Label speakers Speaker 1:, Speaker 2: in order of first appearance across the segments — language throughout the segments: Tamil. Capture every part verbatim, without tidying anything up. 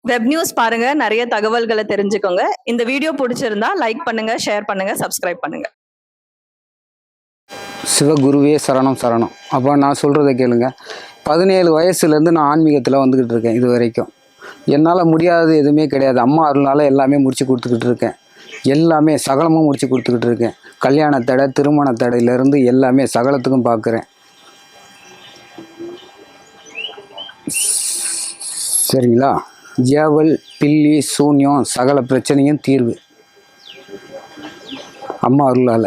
Speaker 1: வெப் நியூஸ் பாருங்க, நிறைய தகவல்களை தெரிஞ்சுக்கோங்க. இந்த வீடியோ பிடிச்சிருந்தா லைக் பண்ணுங்க, ஷேர் பண்ணுங்க, சப்ஸ்கிரைப் பண்ணுங்க.
Speaker 2: சிவகுருவே சரணம் சரணம். அப்போ நான் சொல்கிறத கேளுங்க. பதினேழு வயசுலேருந்து நான் ஆன்மீகத்தில் வந்துக்கிட்டு இருக்கேன். இது வரைக்கும் என்னால் முடியாதது எதுவுமே கிடையாது. அம்மா அருளால் எல்லாமே முடிச்சு கொடுத்துக்கிட்டு இருக்கேன். எல்லாமே சகலமும் முடிச்சு கொடுத்துக்கிட்டு இருக்கேன். கல்யாண தடை, திருமண தடையிலேருந்து எல்லாமே சகலத்துக்கும் பார்க்குறேன். சரிங்களா? ஜேவல், பில்லி, சூன்யம், சகல பிரச்சனையும் தீர்வு அம்மா அருளால்.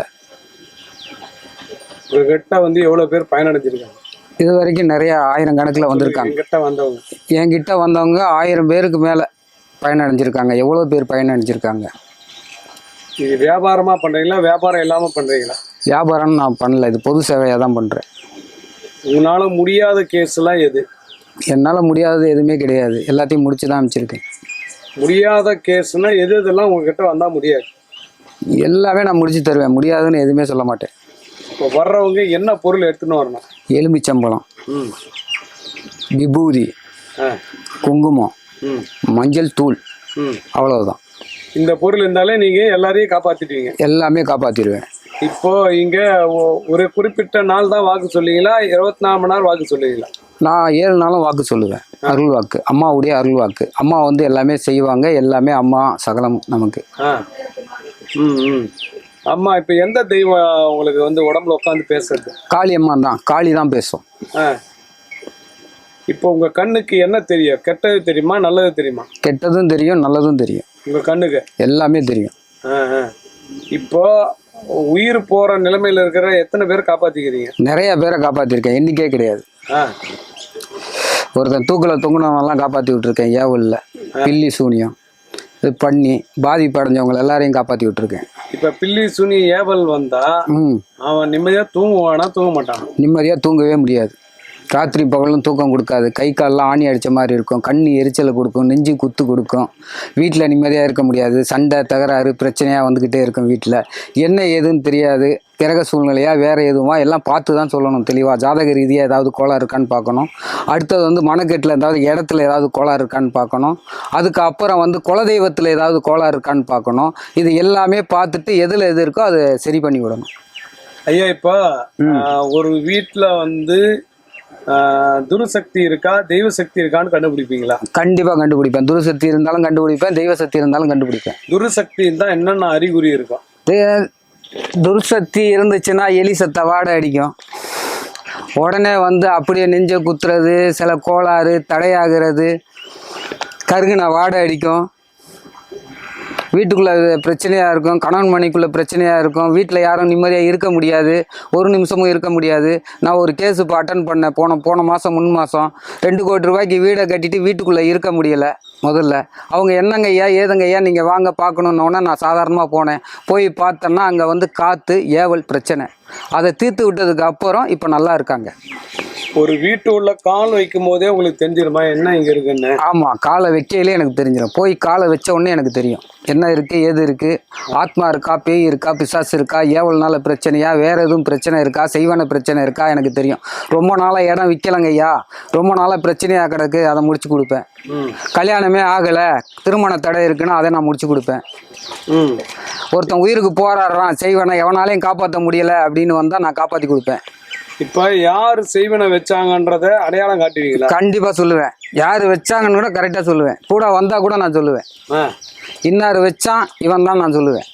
Speaker 3: உங்ககிட்ட வந்து எவ்வளோ பேர் பயனடைஞ்சிருக்காங்க?
Speaker 2: இது வரைக்கும் நிறைய ஆயிரம் கணக்கில் வந்திருக்காங்க.
Speaker 3: என்கிட்ட வந்தவங்க
Speaker 2: என்கிட்ட வந்தவங்க ஆயிரம் பேருக்கு மேலே பயனடைஞ்சிருக்காங்க. எவ்வளோ பேர் பயனடைஞ்சிருக்காங்க?
Speaker 3: இது வியாபாரமாக பண்ணுறீங்களா, வியாபாரம் இல்லாமல் பண்ணுறீங்களா?
Speaker 2: வியாபாரம் நான் பண்ணல, இது பொது சேவையாக தான் பண்ணுறேன்.
Speaker 3: உங்களால் முடியாத கேஸ்லாம் எது?
Speaker 2: என்னால் முடியாதது எதுவுமே கிடையாது. எல்லாத்தையும் முடிச்சு தான் அமைச்சிருக்கேன்.
Speaker 3: முடியாத கேஸ்னால் எது இதெல்லாம் உங்ககிட்ட வந்தால் முடியாது?
Speaker 2: எல்லாமே நான் முடிச்சு தருவேன். முடியாதுன்னு எதுவுமே சொல்ல மாட்டேன்.
Speaker 3: இப்போ வர்றவங்க என்ன பொருள் எடுத்துன்னு வரணும்?
Speaker 2: எலுமிச்சம்பழம்,
Speaker 3: ம்
Speaker 2: விபூதி,
Speaker 3: ஆ
Speaker 2: குங்குமம்,
Speaker 3: ம்
Speaker 2: மஞ்சள் தூள்,
Speaker 3: ம்
Speaker 2: அவ்வளவுதான்.
Speaker 3: இந்த பொருள் இருந்தாலே நீங்கள் எல்லாரையும் காப்பாற்றிடுவீங்க.
Speaker 2: எல்லாமே காப்பாற்றிடுவேன்.
Speaker 3: இப்போ இங்கே ஒரு குறிப்பிட்ட நாள் தான் வாக்கு சொல்லுவீங்களா, இருபத்தி நாலு மணி நேரம் வாக்கு சொல்லுவீங்களா?
Speaker 2: நான் ஏழு நாளும் வாக்கு சொல்லுவேன். அருள் வாக்கு, அம்மாவுடைய அருள் வாக்கு. அம்மா வந்து எல்லாமே செய்வாங்க. எல்லாமே அம்மா சகலம் நமக்கு.
Speaker 3: ஆ ம் ம் அம்மா, இப்போ எந்த தெய்வம் உங்களுக்கு வந்து உடம்புல உட்காந்து பேசுறது?
Speaker 2: காளி அம்மா தான். காளி தான் பேசும்.
Speaker 3: ஆ இப்போ உங்கள் கண்ணுக்கு என்ன தெரியும்? கெட்டது தெரியுமா, நல்லது தெரியுமா?
Speaker 2: கெட்டதும் தெரியும், நல்லதும் தெரியும்.
Speaker 3: உங்கள் கண்ணுக்கு எல்லாமே
Speaker 2: தெரியும்.
Speaker 3: ஆ ஆ இப்போ உயிர் போகிற நிலைமையில் இருக்கிற எத்தனை பேர் காப்பாற்றிக்கிறீங்க? நிறைய
Speaker 2: பேரை காப்பாற்றிருக்கேன், எண்ணிக்கே கிடையாது.
Speaker 3: ஆ
Speaker 2: ஒருத்தன் தூக்கில் தொங்குனவங்கெல்லாம் காப்பாற்றி விட்டுருக்கேன். ஏவலில் பில்லி சூனியம் இது பண்ணி பாதிப்படைஞ்சவங்க எல்லாரையும் காப்பாற்றி விட்டுருக்கேன்.
Speaker 3: இப்போ பில்லி சூனி ஏவல் வந்தா
Speaker 2: ம்
Speaker 3: அவன் நிம்மதியாக தூங்குவானா, தூங்க மாட்டான்?
Speaker 2: நிம்மதியாக தூங்கவே முடியாது. ராத்திரி பகலும் தூக்கம் கொடுக்காது. கை காலெலாம் ஆணி அடித்த மாதிரி இருக்கும். கண் எரிச்சலை கொடுக்கும். நெஞ்சு குத்து கொடுக்கும். வீட்டில் நிம்மதியாக இருக்க முடியாது. சண்டை தகராறு பிரச்சனையாக வந்துக்கிட்டே இருக்கும். வீட்டில் என்ன ஏதுன்னு தெரியாது. கிரக சூழ்நிலையாக வேறு எதுவும் எல்லாம் பார்த்து தான் சொல்லணும் தெளிவாக. ஜாதக ரீதியாக ஏதாவது கோளாறு இருக்கான்னு பார்க்கணும். அடுத்தது வந்து மனக்கெட்டில் ஏதாவது இடத்துல ஏதாவது கோளாறு இருக்கான்னு பார்க்கணும். அதுக்கப்புறம் வந்து குலதெய்வத்தில் ஏதாவது கோளாறு இருக்கான்னு பார்க்கணும். இது எல்லாமே பார்த்துட்டு எதில் எது இருக்கோ அதை சரி பண்ணி விடணும்.
Speaker 3: ஐயா, இப்போ ஒரு வீட்டில் வந்து துருசக்தி இருக்கா, தெய்வ சக்தி இருக்கான்னு கண்டுபிடிப்பீங்களா?
Speaker 2: கண்டிப்பாக கண்டுபிடிப்பேன். துருசக்தி இருந்தாலும் கண்டுபிடிப்பேன், தெய்வ சக்தி இருந்தாலும் கண்டுபிடிப்பேன்.
Speaker 3: துருசக்தி இருந்தால் என்னென்ன அறிகுறி இருக்கும்?
Speaker 2: துருசக்தி இருந்துச்சுன்னா எலி சத்த வாடை அடிக்கும். உடனே வந்து அப்படியே நெஞ்ச குத்துறது, சில கோளாறு தடையாகிறது, கருகுன வாடை அடிக்கும். வீட்டுக்குள்ளே பிரச்சனையாக இருக்கும். கணவன் மணிக்குள்ளே பிரச்சனையாக இருக்கும். வீட்டில் யாரும் நிம்மதியாக இருக்க முடியாது. ஒரு நிமிஷமும் இருக்க முடியாது. நான் ஒரு கேஸு இப்போ அட்டன் பண்ணேன். போன போன மாதம் முன் மாதம் ரெண்டு கோடி ரூபாய்க்கு வீடை கட்டிட்டு வீட்டுக்குள்ளே இருக்க முடியலை. முதல்ல அவங்க என்னங்க ஐயா ஏதுங்க ஐயா நீங்கள் வாங்க பார்க்கணுன்னொன்னே நான் சாதாரணமாக போனேன். போய் பார்த்தேன்னா அங்கே வந்து காற்று ஏவல் பிரச்சனை. அதை தீர்த்து விட்டதுக்கு அப்புறம் இப்போ நல்லா இருக்காங்க.
Speaker 3: ஒரு வீட்டு உள்ள கால் வைக்கும் போதே உங்களுக்கு தெரிஞ்சிருமா என்ன இங்கே இருக்குன்னு?
Speaker 2: ஆமாம், காலை வைக்கையிலே எனக்கு தெரிஞ்சிடும். போய் காலை வச்ச உடனே எனக்கு தெரியும் என்ன இருக்குது ஏது இருக்குது. ஆத்மா இருக்கா, பேய் இருக்கா, பிசாசு இருக்கா, ஏவல்னால பிரச்சனையா, வேறு எதுவும் பிரச்சனை இருக்கா, செய்வான பிரச்சனை இருக்கா எனக்கு தெரியும். ரொம்ப நாளாக இடம் விற்கலைங்க ஐயா, ரொம்ப நாளாக பிரச்சனையாக கிடக்கு, அதை முடிச்சு கொடுப்பேன். கல்யாணமே ஆகலை, திருமண தடை இருக்குன்னா அதை நான் முடிச்சு கொடுப்பேன். ஒருத்தன் உயிருக்கு போராடுறான், செய்வனை எவனாலையும் காப்பாற்ற முடியலை அப்படின்னு வந்தால் நான் காப்பாற்றி கொடுப்பேன்.
Speaker 3: இப்போ யார் செய்வனை வச்சாங்கன்றத அடையாளம் காட்டுவீங்களா?
Speaker 2: கண்டிப்பாக சொல்லுவேன். யார் வச்சாங்கன்னு கூட கரெக்டாக சொல்லுவேன். கூட வந்தால் கூட நான் சொல்லுவேன். இன்னார் வச்சான் இவன் தான் நான் சொல்லுவேன்.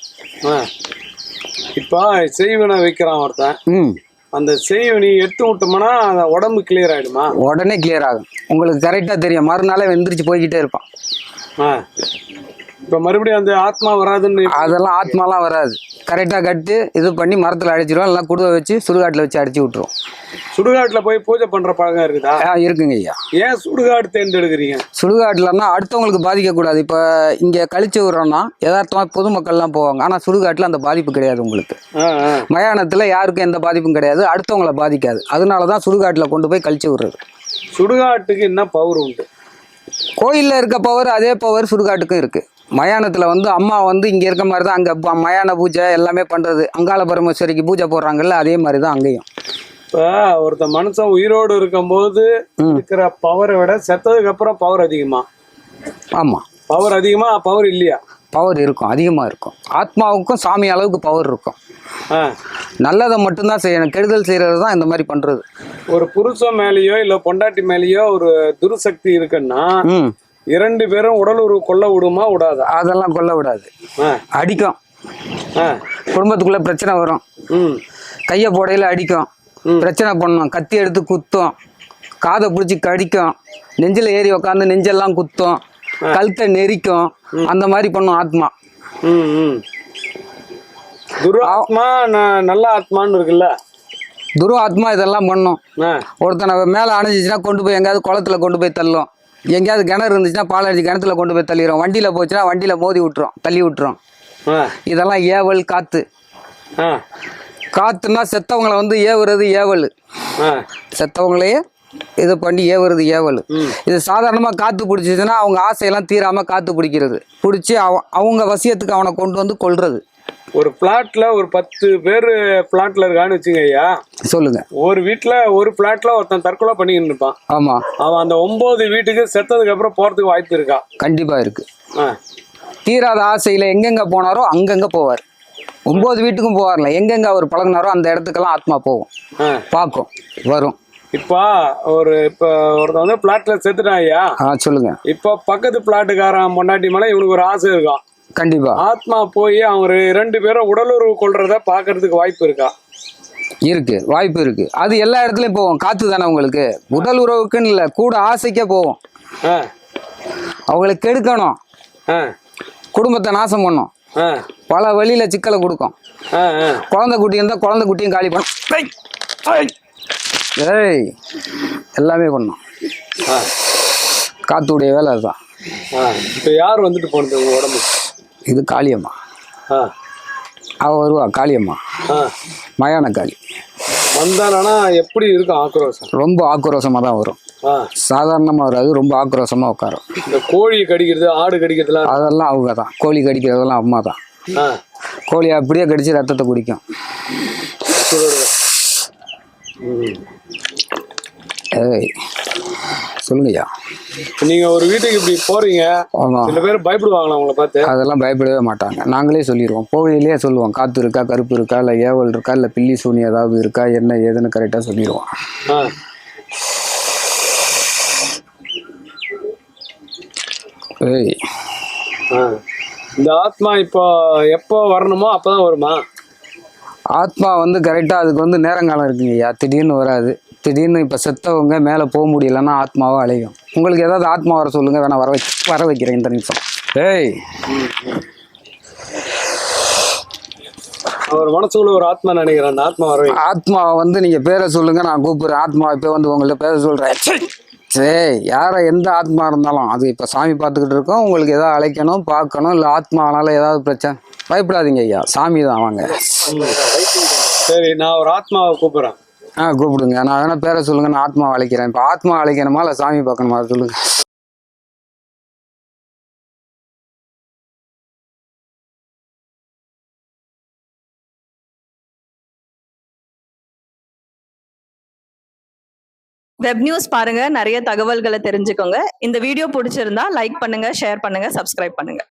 Speaker 3: இப்போ செய்வனை வைக்கிறான் ஒருத்தன், ம் அந்த செய்வனி எடுத்து விட்டோம்னா அந்த உடம்பு கிளியர் ஆகிடுமா?
Speaker 2: உடனே கிளியர் ஆகும். உங்களுக்கு கரெக்டாக தெரியும். மறுநாளே வெந்திரிச்சு போய்கிட்டே இருப்பான்.
Speaker 3: ஆ இப்போ மறுபடியும் அந்த ஆத்மா வராதுன்னு?
Speaker 2: அதெல்லாம் ஆத்மாலாம் வராது. கரெக்டாக கட்டு இது பண்ணி மரத்தில் அடிச்சிடுவோம். எல்லாம் குடுவை வச்சு சுடுகாட்டில் வச்சு அடிச்சு விட்டுருவோம்.
Speaker 3: சுடுகாட்டில் போய் பூஜை பண்ணுற பழக்கம் இருக்குதா?
Speaker 2: ஆ இருக்குங்க ஐயா.
Speaker 3: ஏன் சுடுகாடு தேர்ந்தெடுக்கிறீங்க?
Speaker 2: சுடுகாட்டில்னா அடுத்தவங்களுக்கு பாதிக்கக்கூடாது. இப்போ இங்கே கழிச்சு விட்றோன்னா யதார்த்தமாக பொதுமக்கள்லாம் போவாங்க. ஆனால் சுடுகாட்டில் அந்த பாதிப்பு கிடையாது உங்களுக்கு. மயானத்தில் யாருக்கும் எந்த பாதிப்பும் கிடையாது. அடுத்தவங்களை பாதிக்காது. அதனால தான் சுடுகாட்டில் கொண்டு போய் கழிச்சு விடுறது.
Speaker 3: சுடுகாட்டுக்கு என்ன பவர் உண்டு?
Speaker 2: கோயிலில் இருக்க பவர் அதே பவர் சுடுகாட்டுக்கும் இருக்குது. மயானத்தில் வந்து அம்மா வந்து இங்கே இருக்க மாதிரி தான் அங்கே மயான பூஜை எல்லாமே பண்ணுறது. அங்காள பரமேஸ்வரிக்கு பூஜை போடுறாங்கல்ல, அதே மாதிரி தான் அங்கேயும்.
Speaker 3: இப்போ ஒருத்த மனுஷன் உயிரோடு இருக்கும்போது இருக்கிற பவரை விட செத்ததுக்கு அப்புறம் பவர் அதிகமா?
Speaker 2: ஆமாம்,
Speaker 3: பவர் அதிகமா பவர் இல்லையா?
Speaker 2: பவர் இருக்கும், அதிகமாக இருக்கும். ஆத்மாவுக்கும் சாமி அளவுக்கு பவர் இருக்கும்.
Speaker 3: ஆ.
Speaker 2: நல்லதை மட்டும்தான் செய்யணும், கெடுதல் செய்கிறது தான் இந்த மாதிரி பண்ணுறது.
Speaker 3: ஒரு புருஷன் மேலேயோ இல்ல பொண்டாட்டி மேலேயோ ஒரு துர்சக்தி இருக்குன்னா
Speaker 2: ம்
Speaker 3: இரண்டு பேரும் உடல் உறவு கொள்ள விடுமா விடாதா?
Speaker 2: அதெல்லாம் கொல்ல விடாது,
Speaker 3: ஆ.
Speaker 2: அடிக்கும்.
Speaker 3: ஆ.
Speaker 2: குடும்பத்துக்குள்ளே பிரச்சனை வரும்,
Speaker 3: ம்.
Speaker 2: கையை போடையில் அடிக்கும், பிரச்சனை பண்ணும், கத்தி எடுத்து குத்தும், காதை பிடிச்சி கடிக்கும், நெஞ்சில் ஏறி உக்காந்து நெஞ்செல்லாம் குத்தும், கழுத்தை நெரிக்கும், அந்த மாதிரி பண்ணும் ஆத்மா.
Speaker 3: ம், ம். துராத்மா ந- நல்ல ஆத்மான்னு இருக்குல்ல.
Speaker 2: துரு ஆத்மா இதெல்லாம் பண்ணும்.
Speaker 3: ஆ.
Speaker 2: ஒருத்தனை மேலே அணைஞ்சிச்சுன்னா கொண்டு போய் எங்கேயாவது குளத்துல கொண்டு போய் தள்ளும், எங்கேயாவது கிணறு இருந்துச்சுன்னா பால் அடிச்சு கிணத்துல கொண்டு போய் தள்ளிடும், வண்டியில் போச்சுன்னா வண்டியில் மோதி விட்டுரும், தள்ளி விட்டுரும்.
Speaker 3: ஆ.
Speaker 2: இதெல்லாம் ஏவல் காத்து.
Speaker 3: ஆ.
Speaker 2: காத்துன்னா செத்தவங்களை வந்து ஏவுறது ஏவல்,
Speaker 3: ஆ.
Speaker 2: செத்தவங்களையே இது பண்ணி ஏவுறது ஏவல். இது சாதாரணமாக காற்று பிடிச்சிச்சுன்னா அவங்க ஆசையெல்லாம் தீராமல் காற்று பிடிக்கிறது, பிடிச்சி அவ அவங்க வசியத்துக்கு அவனை கொண்டு வந்து கொல்றது.
Speaker 3: ஒரு பிளாட்ல ஒரு பத்து பேர் பிளாட்ல இருக்கான்னு வச்சுங்க ஐயா.
Speaker 2: சொல்லுங்க.
Speaker 3: ஒரு வீட்டுல ஒரு பிளாட்ல ஒருத்தன் தற்கொலை பண்ணிக்கிட்டு இருப்பான்.
Speaker 2: ஆமா,
Speaker 3: அவன் அந்த ஒன்பது வீட்டுக்கு செத்ததுக்கு அப்புறம் போறதுக்கு வாய்ப்பு இருக்கா?
Speaker 2: கண்டிப்பா இருக்கு.
Speaker 3: ஆ.
Speaker 2: தீராத ஆசையில எங்கெங்க போனாரோ அங்கங்க போவார். ஒன்பது வீட்டுக்கும் போவார்ல, எங்கெங்க அவர் பழகினாரோ அந்த இடத்துக்கெல்லாம் ஆத்மா போகும்,
Speaker 3: ஆ.
Speaker 2: பார்க்கும், வரும்.
Speaker 3: இப்ப ஒரு இப்ப ஒருத்தன் வந்து பிளாட்ல செத்துட்டான் ஐயா.
Speaker 2: ஆ சொல்லுங்க.
Speaker 3: இப்ப பக்கத்து பிளாட்டுக்காரன் பொண்டாட்டி மேல இவனுக்கு ஒரு ஆசை இருக்கும்.
Speaker 2: கண்டிப்பா
Speaker 3: ஆத்மா போய் அவங்க ரெண்டு பேரும் உடலுறவு கொள்றத பாக்குறதுக்கு வாய்ப்பு இருக்கா?
Speaker 2: இருக்கு, வாய்ப்பு இருக்கு. அது எல்லா இடத்துலயும் போவோம், காத்து தானே உங்களுக்கு. உடல் உறவுக்குன்னு இல்லை, கூட ஆசைக்கே போவோம்.
Speaker 3: ஆ.
Speaker 2: அவங்களை கெடுக்கணும்,
Speaker 3: ஆ.
Speaker 2: குடும்பத்தை நாசம் பண்ணும்,
Speaker 3: ஆ.
Speaker 2: பல வழியில சிக்கலை கொடுக்கும்.
Speaker 3: ஆ. ஆ.
Speaker 2: குழந்தை குட்டி இருந்தால் குழந்தை குட்டியும் காலி பண்ணும். ஏய், ஏய், ஏய், எல்லாமே பண்ணும்.
Speaker 3: ஆ.
Speaker 2: காத்துடைய வேலை அதுதான்.
Speaker 3: ஆ. இப்ப யார் வந்துட்டு போனது உங்க உடம்பு?
Speaker 2: இது காளியம்மா.
Speaker 3: ஆ.
Speaker 2: அவ வருவா காளியம்மா,
Speaker 3: ஆ.
Speaker 2: மயான காளி.
Speaker 3: வந்தானா எப்படி இருக்கும் ஆக்ரோஷம்?
Speaker 2: ரொம்ப ஆக்ரோஷமாக தான் வரும்,
Speaker 3: ஆ.
Speaker 2: சாதாரணமாக வராது, ரொம்ப ஆக்ரோஷமாக உட்காரும்.
Speaker 3: இந்த கோழி கடிக்கிறது ஆடு கடிக்கிறதுலாம்
Speaker 2: அதெல்லாம் அவங்க தான். கோழி கடிக்கிறதெல்லாம் அம்மா தான்.
Speaker 3: ஆ.
Speaker 2: கோழி அப்படியே கடிச்சு ரத்தத்தை குடிக்கும்.
Speaker 3: ம்.
Speaker 2: ஏய் சொல்லுங்கய்யா.
Speaker 3: நீங்க ஒரு வீட்டுக்கு இப்படி போறீங்க,
Speaker 2: ஆமாம்,
Speaker 3: சில பேர் பயப்படுவாங்களா உங்களை பார்த்து?
Speaker 2: அதெல்லாம் பயப்படவே மாட்டாங்க, நாங்களே சொல்லிடுவோம். போகையிலேயே சொல்லுவோம், காற்று இருக்கா, கருப்பு இருக்கா, இல்லை ஏவல் இருக்கா, இல்லை பில்லி சூனி ஏதாவது இருக்கா, என்ன ஏதுன்னு கரெக்டாக சொல்லிடுவோம்.
Speaker 3: ஆ.
Speaker 2: ஏய்
Speaker 3: ஆ. இந்த ஆத்மா இப்போ எப்போ வரணுமோ அப்பதான் வருமா?
Speaker 2: ஆத்மா வந்து கரெக்டாக அதுக்கு வந்து நேரங்காலம் இருக்குங்கய்யா. திடீர்னு வராது. திடீர்னு இப்போ செத்தவங்க மேலே போக முடியலன்னா ஆத்மாவை அலையும். உங்களுக்கு ஏதாவது ஆத்மா வர சொல்லுங்கள், வேணா வர வை வர வைக்கிறேன் இந்த நிமிஷம். ஏய்
Speaker 3: அவர் மனசுக்குள்ள ஒரு ஆத்மா நினைக்கிறேன், அந்த ஆத்மா வர வை.
Speaker 2: ஆத்மாவை வந்து நீங்கள் பேரை சொல்லுங்கள், நான் கூப்பிட்றேன். ஆத்மா இப்போ வந்து உங்கள்கிட்ட பேரை சொல்கிறேன். சரி, யாரை எந்த ஆத்மா இருந்தாலும் அது இப்போ சாமி பார்த்துக்கிட்டு இருக்கோம். உங்களுக்கு எதாவது அழைக்கணும், பார்க்கணும், இல்லை ஆத்மானால ஏதாவது பிரச்சனை, பயப்படாதீங்க ஐயா, சாமி தான் வாங்க.
Speaker 3: சரி, நான் ஒரு ஆத்மாவை கூப்பிடுறேன்.
Speaker 2: ஆ கூப்பிடுங்க. நான் வேணா பேரை சொல்லுங்கள், நான் ஆத்மா அழைக்கிறேன். இப்போ ஆத்மா அழைக்கணுமா இல்லை சாமி பார்க்கணுமா, அதை சொல்லுங்கள்.
Speaker 1: வெப் நியூஸ் பாருங்க, நிறைய தகவல்களை தெரிஞ்சுக்கோங்க. இந்த வீடியோ பிடிச்சிருந்தா லைக் பண்ணுங்க, ஷேர் பண்ணுங்க, சப்ஸ்கிரைப் பண்ணுங்க.